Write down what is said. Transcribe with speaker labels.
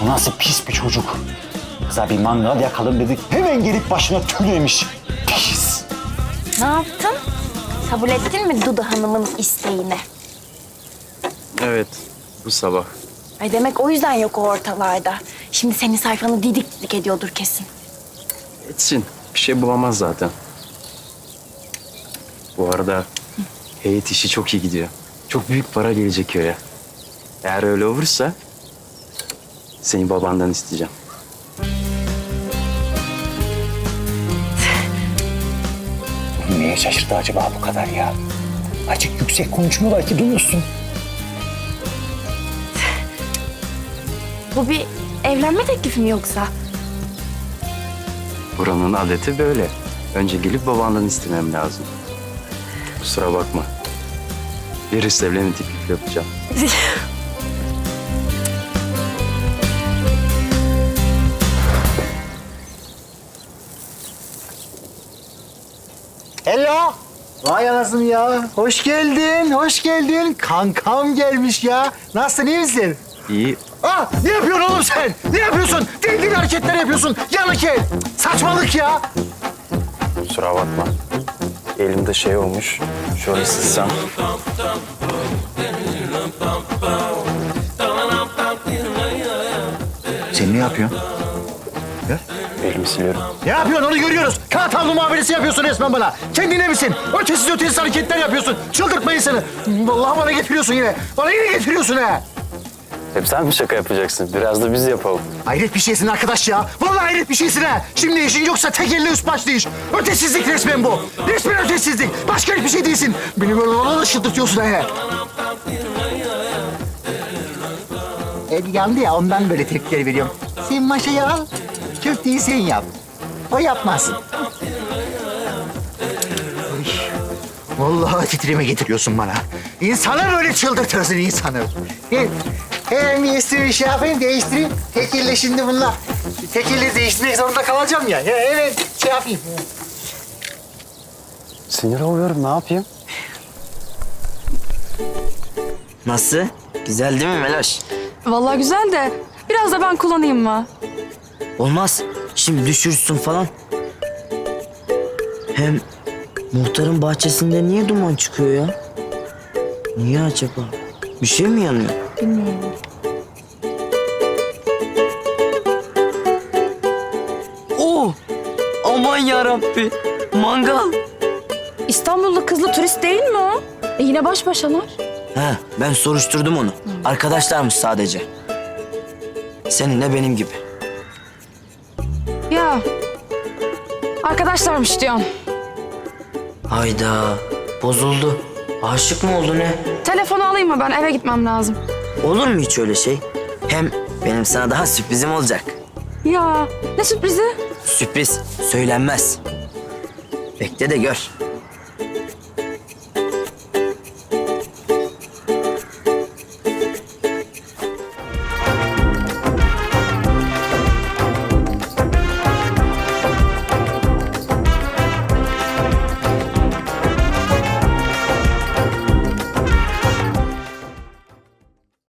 Speaker 1: Bu nasıl pis bir çocuk? Kıza bir mangal yakalım dedik. Hemen gelip başına tülemiş. Pis.
Speaker 2: Ne yaptın? Kabul ettin mi Dudu Hanım'ın isteğini?
Speaker 3: Evet, bu sabah.
Speaker 2: Ay demek o yüzden yok o ortalarda. Şimdi senin sayfanı didik didik ediyordur kesin.
Speaker 3: Etsin, bir şey bulamaz zaten. Bu arada heyet işi çok iyi gidiyor. Çok büyük para gelecek köye. Eğer öyle olursa seni babandan isteyeceğim.
Speaker 1: Neye şaşırdı acaba bu kadar ya? Açık yüksek konuşmuyorlar ki duyuyorsun.
Speaker 2: Bu bir evlenme teklifi mi yoksa?
Speaker 3: Buranın adeti böyle. Önce gelip babandan istemem lazım. Kusura bakma. Birisi evlenme teklifi yapacağım.
Speaker 4: Hello. Vay anasını ya. Hoş geldin, hoş geldin. Kankam gelmiş ya. Nasılsın, iyi misin?
Speaker 3: İyi.
Speaker 4: Aa, ne yapıyorsun oğlum sen? Ne yapıyorsun? Deli deli hareketler yapıyorsun. Yanık el. Saçmalık ya.
Speaker 3: Kusura bakma. Elimde şey olmuş. Şöyle silsem.
Speaker 4: Sen ne yapıyorsun?
Speaker 3: Elimi siliyorum.
Speaker 4: Ne yapıyorsun onu görüyoruz. Kağıt havlu muamelesi yapıyorsun resmen bana. Kendine misin? Ötesiz hareketler yapıyorsun. Çıldırtma insanı. Vallahi bana getiriyorsun yine. Bana yine getiriyorsun ha.
Speaker 3: Hep sen mi şaka yapacaksın? Biraz da biz yapalım.
Speaker 4: Hayret bir şeysin arkadaş ya. Vallahi hayret bir şeysin ha. Şimdi işin yoksa tek elle üst başlı iş. Ötesizlik resmen bu. Resmen ötesizlik. Başka hiçbir şey değilsin. Beni böyle ona da çıldırtıyorsun ha. El yandı ya ondan böyle tepkiler veriyorum. Sen maşayı al. Köfteyi sen yap. O yapmaz. Uy, vallahi titreme getiriyorsun bana. İnsanı böyle çıldırtırsın insanı. Hemen bir üstümü şey yapayım, değiştireyim. Tekille şimdi bunlar. Tekille değiştirmek zorunda kalacağım ya. Evet, şey yapayım.
Speaker 3: Sinir oluyorum, ne yapayım?
Speaker 5: Nasıl? Güzel değil mi Meloş?
Speaker 6: Vallahi güzel de biraz da ben kullanayım mı?
Speaker 5: Olmaz. Şimdi düşürsün falan. Hem muhtarın bahçesinde niye duman çıkıyor ya? Niye acaba? Bir şey mi yanıyor?
Speaker 6: Bilmiyorum.
Speaker 5: Oo! Aman yarabbi. Mangal.
Speaker 6: İstanbul'da kızlı turist değil mi o? Yine baş başalar.
Speaker 5: He, ben soruşturdum onu. Arkadaşlarmış sadece. Seninle benim gibi.
Speaker 6: Ya arkadaşlarmış diyorsun.
Speaker 5: Hayda. Bozuldu. Aşık mı oldu ne?
Speaker 6: Telefonu alayım mı ben? Eve gitmem lazım.
Speaker 5: Olur mu hiç öyle şey? Hem benim sana daha sürprizim olacak.
Speaker 6: Ya ne sürprizi?
Speaker 5: Sürpriz söylenmez. Bekle de gör.